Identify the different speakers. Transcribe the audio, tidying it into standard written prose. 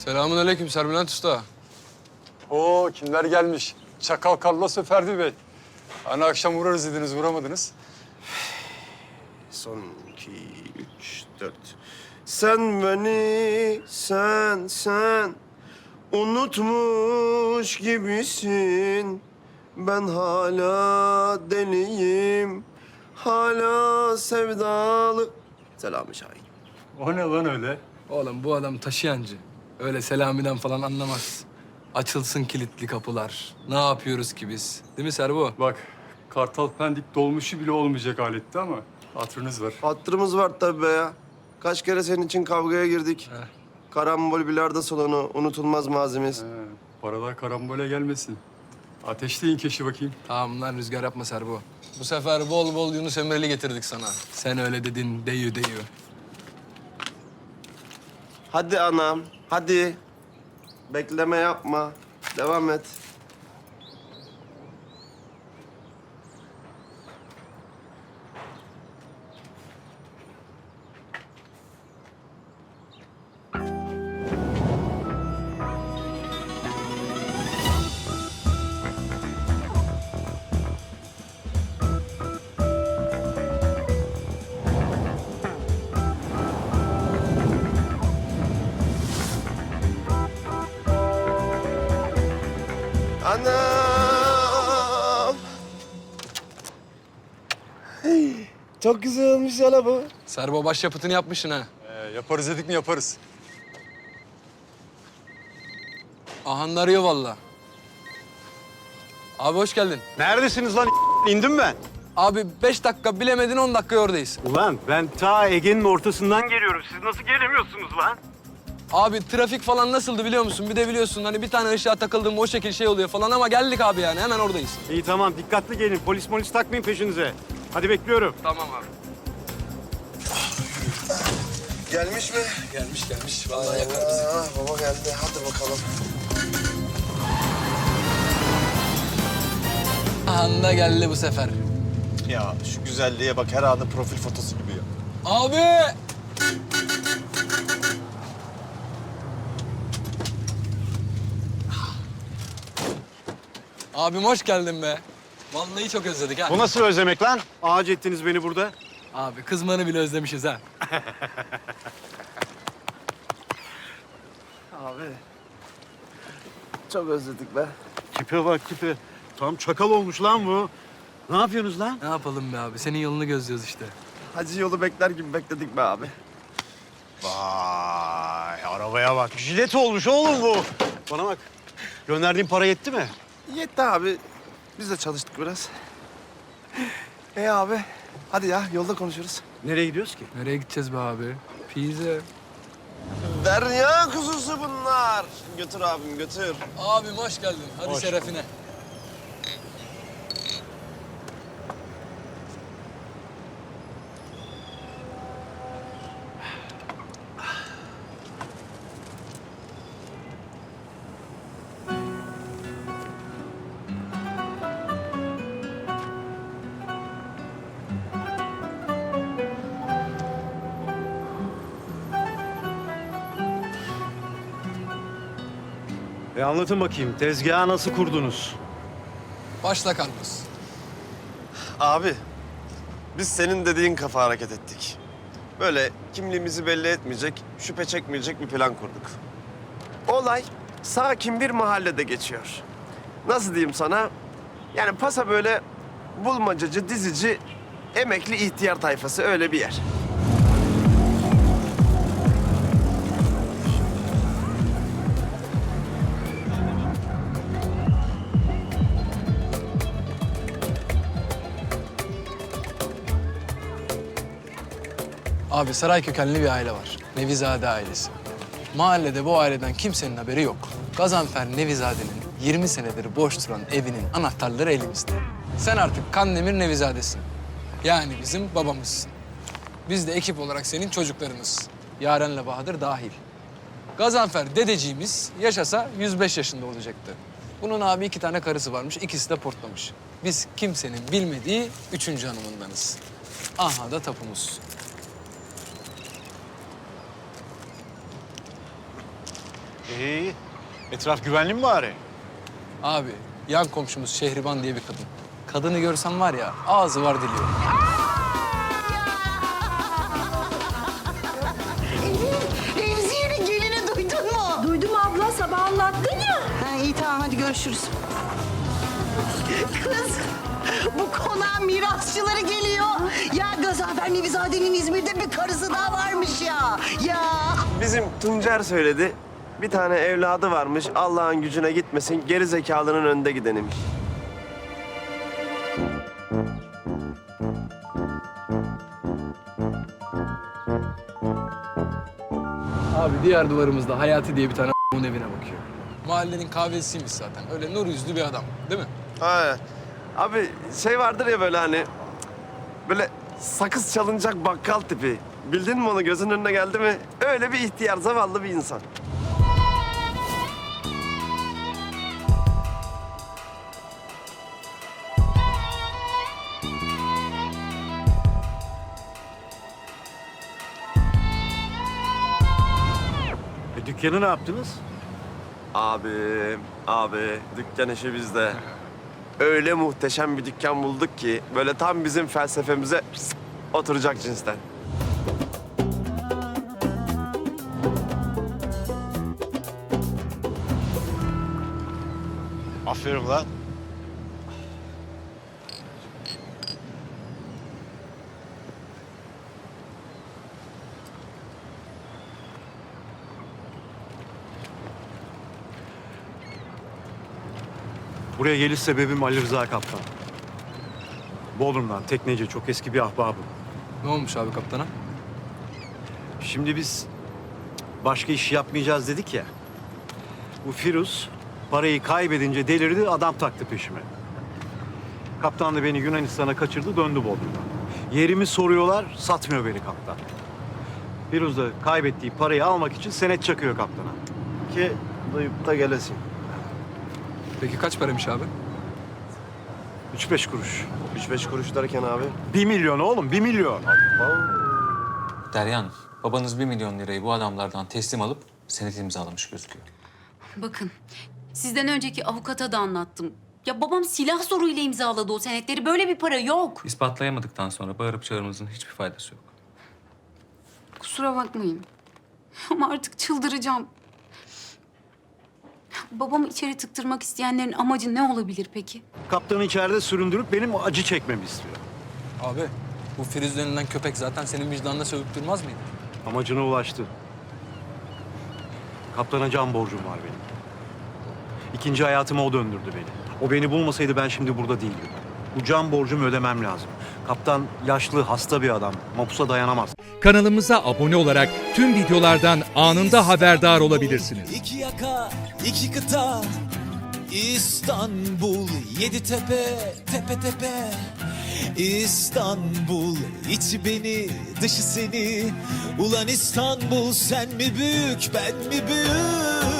Speaker 1: Selamünaleyküm Serbülent Usta.
Speaker 2: Oo, kimler gelmiş? Çakal Carlos Ferdi Bey. Hani akşam uğrarız dediniz, uğramadınız.
Speaker 3: Son 2, 3, 4. Sen beni, sen unutmuş gibisin. Ben hala deliyim, hala sevdalı. Selami Şahin.
Speaker 2: O ne lan öyle?
Speaker 1: Oğlum bu adam taşıyancı. Öyle Selami'den falan anlamaz. Açılsın kilitli kapılar. Ne yapıyoruz ki biz? Değil mi Serbo?
Speaker 2: Bak, Kartal Pendik dolmuşu bile olmayacak aletti ama hatırınız var.
Speaker 3: Hatırımız var tabii be ya. Kaç kere senin için kavgaya girdik.
Speaker 1: Heh.
Speaker 3: Karambol bilardo salonu, unutulmaz mazimiz.
Speaker 2: Paralar karambole gelmesin. Ateşleyin keşi bakayım.
Speaker 1: Tamam lan rüzgar yapma Serbo. Bu sefer bol bol Yunus Emre'li getirdik sana. Sen öyle dedin deyü.
Speaker 3: Hadi anam, hadi. Bekleme yapma. Devam et. Anam! Hey, çok güzel olmuş ya la bu.
Speaker 1: Serbo başyapıtını yapmışsın ha.
Speaker 2: Yaparız dedik mi yaparız.
Speaker 1: Ahan arıyor vallahi. Abi hoş geldin.
Speaker 4: Neredesiniz lan? İndim ben.
Speaker 1: Abi 5 dakika bilemedin 10 dakika oradayız.
Speaker 4: Ulan ben ta Ege'nin ortasından geliyorum. Siz nasıl gelemiyorsunuz lan?
Speaker 1: Abi trafik falan nasıldı biliyor musun? Bir de biliyorsun hani bir tane ışığa takıldım o şekil şey oluyor falan ama geldik abi yani hemen oradayız.
Speaker 4: İyi tamam dikkatli gelin. Polis takmayın peşinize. Hadi bekliyorum.
Speaker 1: Tamam abi.
Speaker 3: Gelmiş mi?
Speaker 1: Gelmiş. Vallahi yakar bizi.
Speaker 3: Baba geldi. Hadi bakalım.
Speaker 1: Ahanda geldi bu sefer.
Speaker 5: Ya şu güzelliğe bak, her anı profil fotosu gibi ya.
Speaker 1: Abi! Abim hoş geldin be. Vallahi çok özledik ha.
Speaker 4: Bu nasıl özlemek lan? Ağaç ettiniz beni burada.
Speaker 1: Abi kızmanı bile özlemişiz ha.
Speaker 3: Abi. Çok özledik be.
Speaker 4: Tipe bak tipe. Tam çakal olmuş lan bu. Ne yapıyorsunuz lan?
Speaker 1: Ne yapalım be abi? Senin yolunu gözlüyoruz işte.
Speaker 3: Hacı yolu bekler gibi bekledik be abi.
Speaker 4: Vay arabaya bak. Jilet olmuş oğlum bu. Bana bak. Gönderdiğin para yetti mi?
Speaker 3: Yetti abi. Biz de çalıştık biraz. Abi. Hadi ya yolda konuşuruz.
Speaker 4: Nereye gidiyoruz ki?
Speaker 1: Nereye gideceğiz be abi? Pizza.
Speaker 3: Derya kuzusu bunlar. Götür abim götür.
Speaker 1: Abim hoş geldin. Hadi
Speaker 4: Hoş
Speaker 1: şerefine.
Speaker 4: Anlatın bakayım. Tezgahı nasıl kurdunuz?
Speaker 1: Başla Carlos.
Speaker 3: Abi, biz senin dediğin kafa hareket ettik. Böyle kimliğimizi belli etmeyecek, şüphe çekmeyecek bir plan kurduk. Olay sakin bir mahallede geçiyor. Nasıl diyeyim sana? Yani pasa böyle bulmacacı, dizici, emekli ihtiyar tayfası öyle bir yer.
Speaker 1: Abi saray kökenli bir aile var. Nevizade ailesi. Mahallede bu aileden kimsenin haberi yok. Gazanfer Nevizade'nin 20 senedir boş duran evinin anahtarları elimizde. Sen artık Kandemir Nevizade'sin. Yani bizim babamızsın. Biz de ekip olarak senin çocuklarınız. Yaren'le Bahadır dahil. Gazanfer dedeciğimiz yaşasa 105 yaşında olacaktı. Bunun abi 2 tane karısı varmış, ikisi de portlamış. Biz kimsenin bilmediği 3. hanımındanız. Aha da tapumuz.
Speaker 4: İyi. Etraf güvenli mi bari?
Speaker 1: Abi yan komşumuz Şehriban diye bir kadın. Kadını görsem var ya ağzı var dili yok.
Speaker 6: Remziye'nin gelini duydun mu?
Speaker 7: Duydum abla, sabah anlattın ya.
Speaker 6: Ha, iyi tamam hadi görüşürüz. Kız bu konağın mirasçıları geliyor. Ya Gazanfer Nevizade'nin İzmir'de bir karısı daha varmış ya. Ya.
Speaker 3: Bizim Tuncer söyledi. Bir tane evladı varmış. Allah'ın gücüne gitmesin. Geri zekalının önde gideniymiş.
Speaker 1: Abi diğer duvarımızda Hayati diye bir tane onun evine bakıyor. Mahallenin kahvesiymiş zaten. Öyle nur yüzlü bir adam değil mi?
Speaker 3: Ha. Abi şey vardır ya böyle hani... Böyle sakız çalınacak bakkal tipi. Bildin mi onu? Gözünün önüne geldi mi? Öyle bir ihtiyar, zavallı bir insan.
Speaker 4: Dükkanı ne yaptınız?
Speaker 3: Abi dükkan işi bizde. Öyle muhteşem bir dükkan bulduk ki böyle tam bizim felsefemize oturacak cinsten.
Speaker 4: Aferin lan. Buraya geliş sebebim Ali Rıza Kaptan. Bodrum'dan, tekneci, çok eski bir ahbabım.
Speaker 1: Ne olmuş abi kaptana?
Speaker 4: Şimdi biz başka iş yapmayacağız dedik ya. Bu Firuz parayı kaybedince delirdi, adam taktı peşime. Kaptan da beni Yunanistan'a kaçırdı, döndü Bodrum'dan. Yerimi soruyorlar, satmıyor beni kaptan. Firuz da kaybettiği parayı almak için senet çakıyor kaptana. Ki duyup da gelesin.
Speaker 1: Peki kaç paraymış abi?
Speaker 4: 3-5 kuruş.
Speaker 3: 3-5 kuruş derken abi.
Speaker 4: 1 milyon oğlum, 1 milyon.
Speaker 8: Derya Hanım, babanız 1 milyon lirayı bu adamlardan teslim alıp senet imzalamış gözüküyor.
Speaker 9: Bakın, sizden önceki avukata da anlattım. Ya babam silah zoruyla imzaladı o senetleri. Böyle bir para yok.
Speaker 8: İspatlayamadıktan sonra bağırıp çağırmanızın hiçbir faydası yok.
Speaker 9: Kusura bakmayın. Ama artık çıldıracağım. Babamı içeri tıktırmak isteyenlerin amacı ne olabilir peki?
Speaker 4: Kaptanı içeride süründürüp benim acı çekmemi istiyor.
Speaker 1: Abi bu Firuz denilen köpek zaten senin vicdanına sövüp durmaz mıydı?
Speaker 4: Amacına ulaştı. Kaptana can borcum var benim. İkinci hayatıma o döndürdü beni. O beni bulmasaydı ben şimdi burada değildim. Bu can borcumu ödemem lazım. Kaptan yaşlı, hasta bir adam. Mapusa dayanamaz.
Speaker 10: Kanalımıza abone olarak tüm videolardan anında haberdar olabilirsiniz.
Speaker 11: İki yaka, iki kıta, İstanbul, yedi tepe, tepe tepe. İstanbul, içi beni, dışı seni. Ulan İstanbul, sen mi büyük, ben mi büyük?